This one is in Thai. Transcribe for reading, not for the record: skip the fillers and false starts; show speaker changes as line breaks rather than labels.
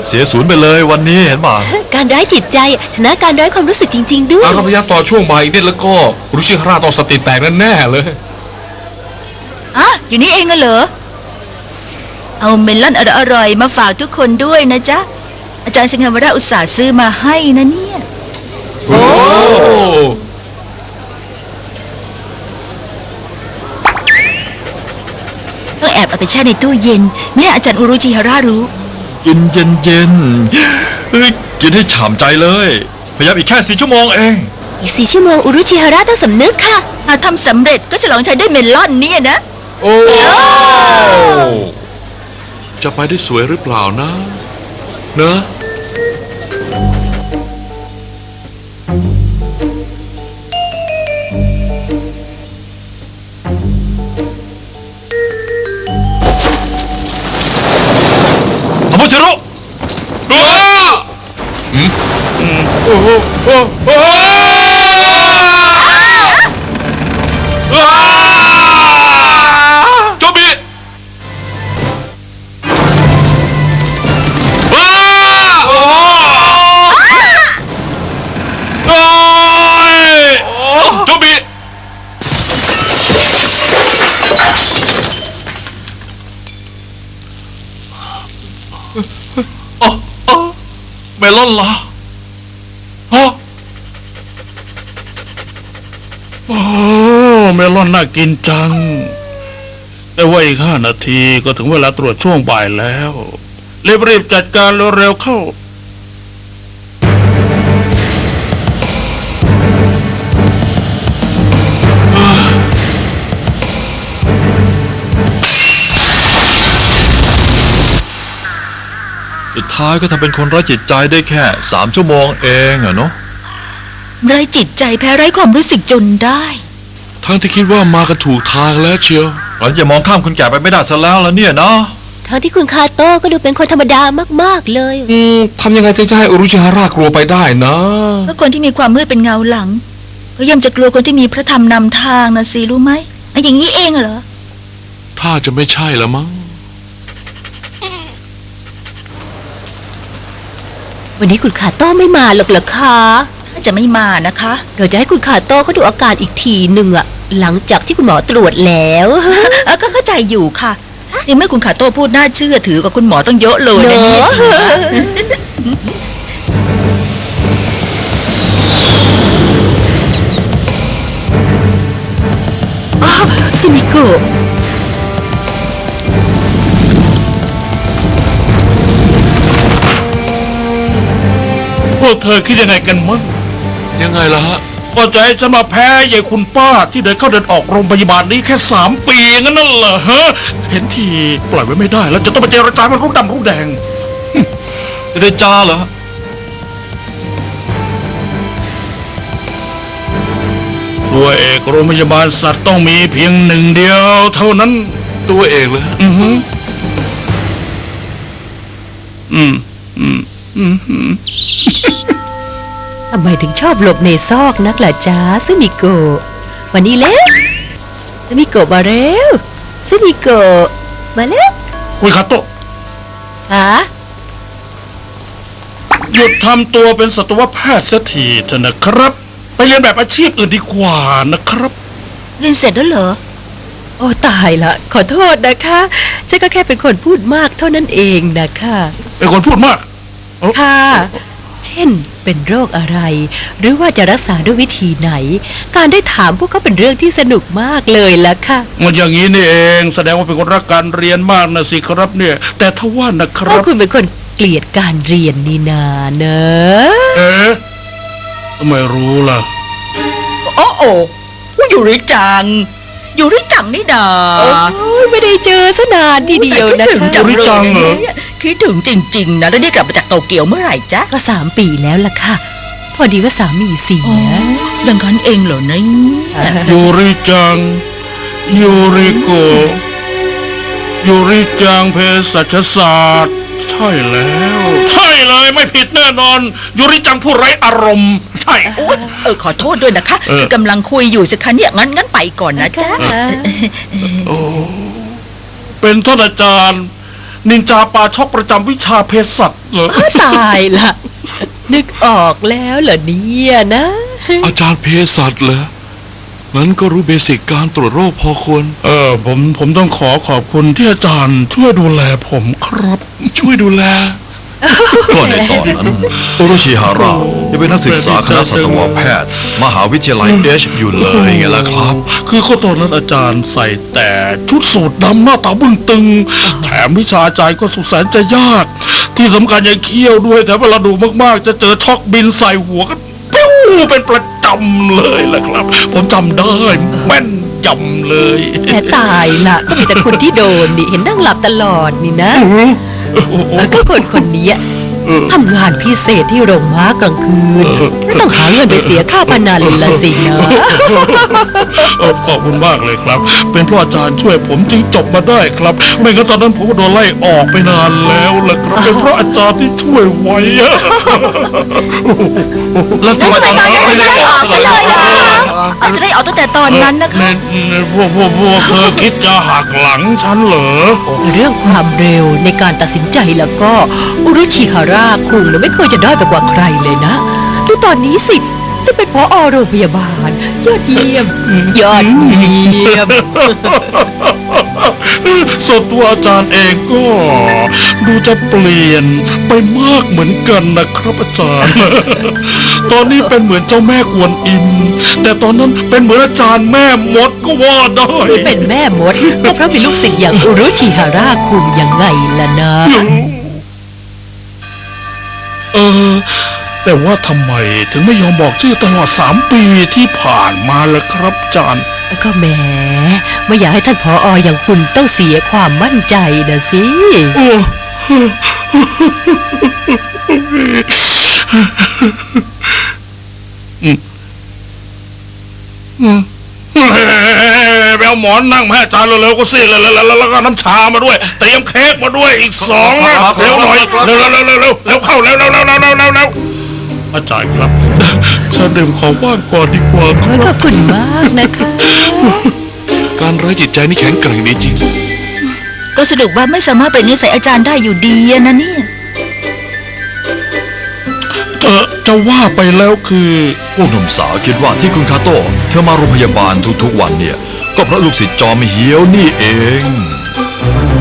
เสียศูนย์ไปเลยวันนี้เห็นป่ะ
การร้ายจิตใจชนะการร้ายความรู้สึกจริงๆด้วย
ถ้าพยายามต่อช่วงบ่ายอีกนิดแล้วก็รุชิฮาระต้องสติแตกแน่ๆเลย
อยู่นี่เองเหรอเอาเมลอนอร่อยๆมาฝากทุกคนด้วยนะจ๊ะอาจารย์สิงห์วราอุตส่าห์ซื้อมาให้นะเนี่ย
โอ้
ต้องแอบเอาไปแช่ในตู้เย็นไม่ให้อาจารย์อุรุจิฮาระรู้
กินเย็นกินให้ฉ่ำใจเลยพยายามอีกแค่4 ชั่วโมงเอง
อีก4 ชั่วโมงอุรุจิฮาระต้องสำนึกค่ะ
หากทำสำเร็จก็ฉลองชัยได้เมลอนเนี่ยนะ
โอ้
จะไปได้สวยหรือเปล่านะเนอะสมุทรรุโอ้โหโจบิโจบิเมลอนเหรอฮะ
โอ้เมลอนน่ากินจังแต่ว่าอีก5 นาทีก็ถึงเวลาตรวจช่วงบ่ายแล้วรีบจัดการเร็วๆเข้า
สุดท้ายก็ทำเป็นคนไร้จิตใจได้แค่3 ชั่วโมงเองอะเนาะ
ไร้จิตใจแพ้ไร้ความรู้สึกจนได้
ทั้งที่คิดว่ามากันถูกทางแล้วเชียว
เราจะมองข้ามคนแก่ไปไม่ได้ซะแล้วเนี่ยเนาะ
ทั้งที่คุณคาโต้ก็ดูเป็นคนธรรมดามากๆเลย
ทำยังไงถึงจะให้อุรุชิฮาระกลัวไปได้นะ
ก็คนที่มีความมืดเป็นเงาหลังก็ย่อมจะกลัวคนที่มีพระธรรมนำทางนะสิรู้ไหมอย่างนี้เองเหรอ
ถ้าจะไม่ใช่ละมั้ง
วันนี้คุณคาโต้ไม่มาหรอกเหรอคะ
จะไม่มานะคะ
เราจะให้คุณคาโต้เขาดูอาการอีกทีหนึ่งอะหลังจากที่คุณหมอตรวจแล้ว
ก็เข้าใจอยู่ค่ะนี่เมื่อคุณคาโต้พูดน่าเชื่อถือกว่าคุณหมอต้องเยอะเลยนะเนี่ย
ซิมิโกะ
พวกเธอคิดยังไงกันมั้ง
ยังไงล่ะฮะ
ก็จะให้ฉันมาแพ้ยายคุณป้าที่เดินเข้าเดินออกโรงพยาบาลนี้แค่3 ปีงั้นนั่นเหรอฮะเห็นทีปล่อยไว้ไม่ได้แล้วจะต้องไปเจรจามันรู้ดำรู้แดง
จะได้จ้าเหรอ
ตัวเอกโรงพยาบาลสัตว์ต้องมีเพียง1 เดียวเท่านั้น
ตัวเอกเลย
ทำไมถึงชอบหลบในซอกนักล่ะจ๊ะซึมิโกะวันนี้แล้วซึมิโกะมาแล้วซึมิโกะมาแล้ว
คุยคาโตะหยุดทำตัวเป็นสัตวแพทย์เสียทีเถอะนะครับไปเรียนแบบอาชีพอื่นดีกว่านะครับ
เรียนเสร็จแล้วเหรอ
โอ้ตายละขอโทษนะคะฉันก็แค่เป็นคนพูดมากเท่านั้นเองนะคะ
เป็นคนพูดมาก
ค่ะเช่นเป็นโรคอะไรหรือว่าจะรักษาด้วยวิธีไหนการได้ถามพวกเขาเป็นเรื่องที่สนุกมากเลยล่ะค่ะ
มันอย่างนี้นี่เองแสดงว่าเป็นคนรักการเรียนมากนะสิครับเนี่ยแต่ทว่านะครับ
คุณเป็นคนเกลียดการเรียนนี่นาเน
อะทำไมรู้ล่ะ
โอ้ยูริจังนี่นา
ไม่ได้เจอซะนานทีเดียวนะคะ
ยูริจังเหรอ
คิดถึงจริงๆนะแล้วได้กลับมาจากโตเกียวเมื่อไหร่จ๊ะ
ก็3 ปีแล้วล่ะค่ะพอดีว่าสามีเสีย
ดังนั้นเองเหรอเนี่ย
ยูริจังยูริโกยูริจังเภสัชศาสตร์ใช่แล้วใช่เลยไม่ผิดแน่นอนยูริจังผู้ไร้อารมณ์ใช่
ขอโทษด้วยนะคะคือกำลังคุยอยู่สิคะเนี่ยงั้นไปก่อนนะจ๊ะ
เป็นท่านอาจารย์นินจาปาช็อกประจำวิชาเภสัชเหรอ
ตายละนึกออกแล้วเหรอเนี่ยนะ
อาจารย์เภสัชเหรองั้นก็รู้เบสิกการตรวจโรคพอควร
ผมต้องขอบคุณที่อาจารย์ช่วยดูแลผมครับ
ช่วยดูแล
ก็ในตอนนั้นโอโรชิฮาระยังเป็นนักศึกษาคณะสัตวแพทย์ มหาวิทยาลัยอยู่เลยไงล่ะครับ
คือข้อตอนนั้นอาจารย์ใส่แต่ชุดสูทดำหน้าตาบึ้งตึง แถมวิชาอาจารย์ก็สุดแสนจะยาก ที่สำคัญยังเคี้ยวด้วยแต่เวลาดูมากๆ จะเจอช็อกบินใส่หัวกันปิ้วเป็นประจำเลยล่ะครับ ผมจำได้แม่นยำเลย
แต่ตายละก็มีแต่คนที่โดนนี่เห็นนั่งหลับตลอดนี่นะก็คนนี้ทำงานพิเศษที่โรงม้ากลางคืนไม่ต้องหาเงินไปเสียค่าพนันละสินะ
ขอบคุณมากเลยครับ เป็นเพราะอาจารย์ช่วยผมจึงจบมาได้ครับ ไม่งั้นตอนนั้นผมก็โดนไล่ออกไปนานแล้วล่ะครับ เป็นเพราะอาจารย์ที่ช่วยไว้อะ
แล้วทำไมตอนนั้นไม่ได้บอก
ซะเลยล่ะอาจจะได้ออกตั้งแต่ตอนนั้นนะคะ
พวกเธอคิดจะหักหลังฉันเหรอ
เรื่องความเร็วในการตัดสินใจแล้วก็อุรุชิฮาระคุงเนี่ยไม่เคยจะด้อยไปกว่าใครเลยนะดูตอนนี้สิได้เป็นผอ.โรงพยาบาลยอดเยี่ยมยอดเยี่ยม
ส่วนตัวอาจารย์เองก็ดูจะเปลี่ยนไปมากเหมือนกันนะครับอาจารย์ ตอนนี้เป็นเหมือนเจ้าแม่กวนอิม แต่ตอนนั้นเป็นเหมือนอาจารย์แม่มดก็ว่าได้
ที่เป็นแม่มดก็เพราะมีลูกศิษย์อย่างอุรุชิฮาระคุงยังไงล่ะนะ
แต่ว่าทำไมถึงไม่ยอมบอกชื่อตลอด3 ปีที่ผ่านมาล่ะครับอาจารย์
ก็แหมไม่อยากให้ท่านผอ.อย่างคุณต้องเสียความมั่นใจนะสิ
ไปเอาหมอนนั่งมาให้อาจารย์เร็วๆก็สิแล้วก็น้ำชามาด้วยเตรียมเค้กมาด้วยอีก2นะเร็วหน่อยเร็วเข้าเร็วอาจารย์ครับฉันดื่มของว่างก่อนดีกว่าค
ข
รั
อ
บบ
คุณมากนะคะ
การไร้จิตใจนี่แข็งแกร่งดีจริง
ก็สรุปว่าไม่สามารถเป็นนิสัยอาจารย์ได้อยู่ดีอะนะเนี่ย
จะว่าไปแล้วคือ
พวกหนุ่มสาวคิดว่าที่คุณคาโต้เธอมาโรงพยาบาลทุกๆวันเนี่ย ก็เพราะลูกศิษย์จอมเหียวนี่เอง